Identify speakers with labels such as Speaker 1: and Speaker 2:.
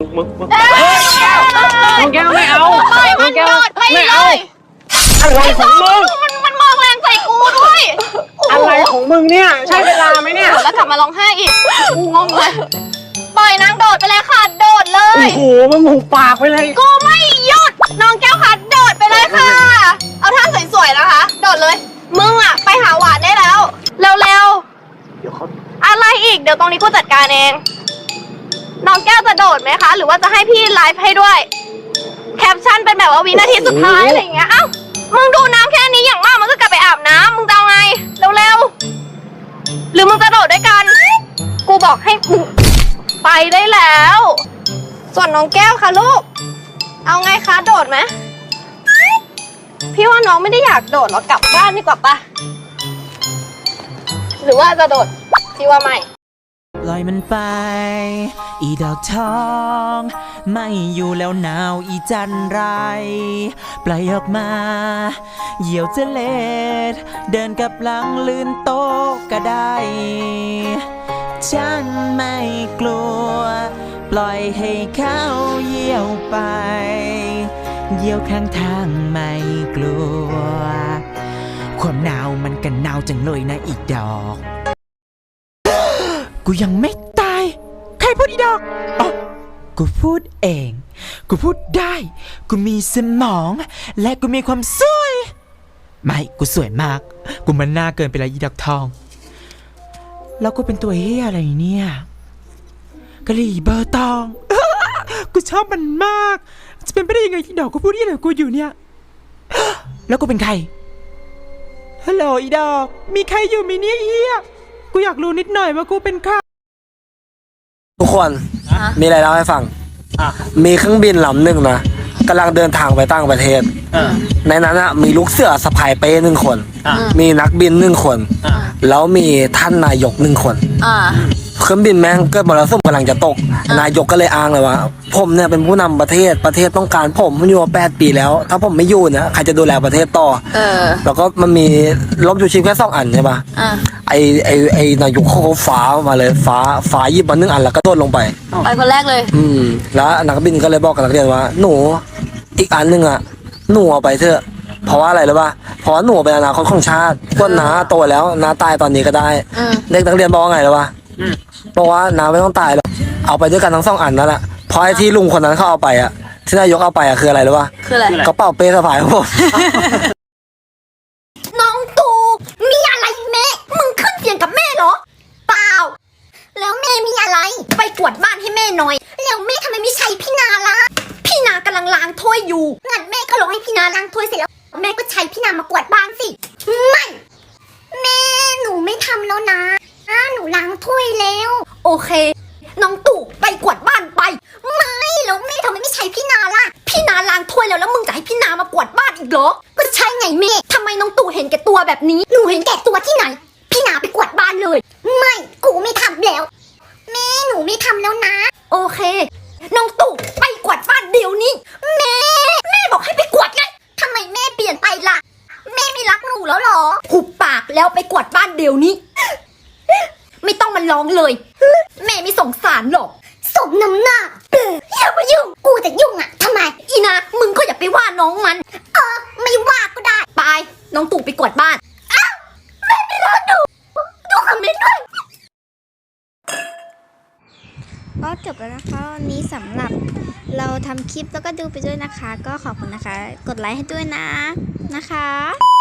Speaker 1: น้องแก้วไม่เอาน้องแก้วไม่เอาอะไรของมึง
Speaker 2: มันมองแรงใส่กูด้วย
Speaker 1: อะไรของมึงเนี่ยใช่เวลาไหมเนี่ย
Speaker 2: แล้วกลับมาร้องไห้อีกกูงงเลยปล่อยนางโดดไปเลยค่ะโดดเลย
Speaker 1: โอ้โหมึงหุบปากไปเลย
Speaker 2: กูไม่หยุดน้องแก้วค่ะโดดไปเลยค่ะเอาท่าสวยๆนะคะโดดเลยมึงอะไปหาหวานได้แล้วเร็วๆอะไรอีกเดี๋ยวตรงนี้กูจัดการเองน้องแก้วจะโดดไหมคะหรือว่าจะให้พี่ไลฟ์ให้ด้วยแคปชั่นเป็นแบบว่าวินาทีสุดท้ายอะไรอย่างเงี้ยเอ้ามึงดูน้ำแค่นี้อย่างมากมึงก็กลับไปอาบน้ำมึงจะเอาไงเร็วๆหรือมึงจะโดดด้วยกันกูบอกให้มึงไปได้แล้วส่วนน้องแก้วค่ะลูกเอาไงคะโดดไหมพี่ว่าน้องไม่ได้อยากโดดหรอกกลับบ้านดีกว่าปะหรือว่าจะโดดพี่ว่าไม่
Speaker 3: ปล่อยมันไปอีดอกทองไม่อยู่แล้วหนาวอีจันไรปล่อยออกมาเหยี่ยวจะเล็ดเดินกับหลังลื่นโต๊ะก็ได้ฉันไม่กลัวปล่อยให้เขาเหยี่ยวไปเหยี่ยวข้างทางไม่กลัวความหนาวมันกันหนาวจังเลยนะอีดอกกูยังไม่ตายใครพูดอีดอกอ๋อกูพูดเองกูพูดได้กูมีสมองและกูมีความสวยไม่กูสวยมากกูมันน่าเกินไปแล้วอีดอกทองแล้วกูเป็นตัวเฮียอะไรเนี่ยกะหรี่เบอร์ตอง กูชอบมันมากจะเป็นไปได้ยังไงที่ดอกกูพูดที่ไหนกูอยู่เนี่ย แล้วกูเป็นใครฮัลโหลอีดอกมีใครอยู่มีเนี่ยเฮียกูอยากรู้นิดหน่อยว่ากูเป็นใคร
Speaker 4: ทุกคนมีอะไรเล่าให้ฟังมีเครื่องบินลำหนึ่งนะกำลังเดินทางไปต่างประเทศในนั้นมีลูกเสือสะพายเป้1 คนมีนักบิน1 คนแล้วมีท่านนายก1 คนเครื่องบินแม่งเกิดมรสุมกำลังจะตกนายกก็เลยอ้างเลยว่าผมเนี่ยเป็นผู้นำประเทศต้องการผมอยู่มา8 ปีแล้วถ้าผมไม่อยู่เนี่ยใครจะดูแลประเทศต่อแล้วก็มันมีร่มชูชีพแค่2 อันใช่ปะไอนายกเขาฟ้ามาเลยฟ้าหยิบมา1 อันแล้วก็โดดลงไป
Speaker 2: คนแรกเลย
Speaker 4: แล้วนักบินก็เลยบอกกับนักเรียนว่าหนูอีกอันนึงอ่ะหนูเอาไปเถอะเพราะว่าอะไรรู้ป่ะเพราะหนูเป็นอนาคตของชาติพวกน้าโตแล้วน้าตายตอนนี้ก็ได้เด็กนักเรียนบอกว่าไงรู้ป่ะบอกว่าน้าไม่ต้องตายหรอกเอาไปด้วยกันทั้ง2 อันนั่นแหละเพราะไอ้ที่ลุงคนนั้นเขาเอาไปอ่ะที่นายกเอาไปอ่ะคืออะไรรู้ป่ะ
Speaker 2: คืออะไร
Speaker 4: กระเป๋าเป้สะพายของผม
Speaker 2: น้องตูมีอะไรแม่มึงขึ้นเสียงกับแม่เหรอเปล่าแล้วแม่มีอะไรไปกวาดบ้านให้แม่หน่อยแล้วแม่ทำไมไม่ใช้พี่นาล่ะพี่นากำลังล้างถ้วยอยู่งั้นแม่ก็ลงให้พี่นาล้างถ้วยเสร็จแล้วแม่ก็ใช้พี่นามากวาดบ้านสิไม่แม่หนูไม่ทำแล้วนะหนูล้างถ้วยแล้วโอเคน้องตู่ไปกวาดบ้านไปไม่แล้วแม่ทำไมไม่ใช้พี่นาล่ะพี่นาล้างถ้วยแล้วมึงจะให้พี่นามากวาดบ้านอีกเหรอก็ใช่ไงแม่ทำไมน้องตู่เห็นแก่ตัวแบบนี้หนูเห็นแก่ตัวที่ไหนพี่นาไปกวาดบ้านเลยไม่กูไม่ทำแล้วแม่หนูไม่ทำแล้วนะโอเคน้องตู่ไปกวาดบ้านเดี๋ยวนี้แม่บอกให้ไปกวาดไงทำไมแม่เปลี่ยนไปล่ะแม่ไม่รักหนูแล้วหรอหุบปากแล้วไปกวาดบ้านเดี๋ยวนี้ไม่ต้องมาร้องเลยแม่ไม่สงสารหรอกสมน้ำหน้าอย่ามายุ่งกูจะยุ่งอ่ะทำไมอีนะมึงก็อย่าไปว่าน้องมันไม่ว่าก็ได้ไปน้องตู่ไปกวาดบ้านอ้าวแม่ไม่รักดูคอมเมนต์ด้วย
Speaker 5: ก็จบแล้วนะคะวันนี้สำหรับเราทำคลิปแล้วก็ดูไปด้วยนะคะก็ขอบคุณนะคะกดไลค์ให้ด้วยนะคะ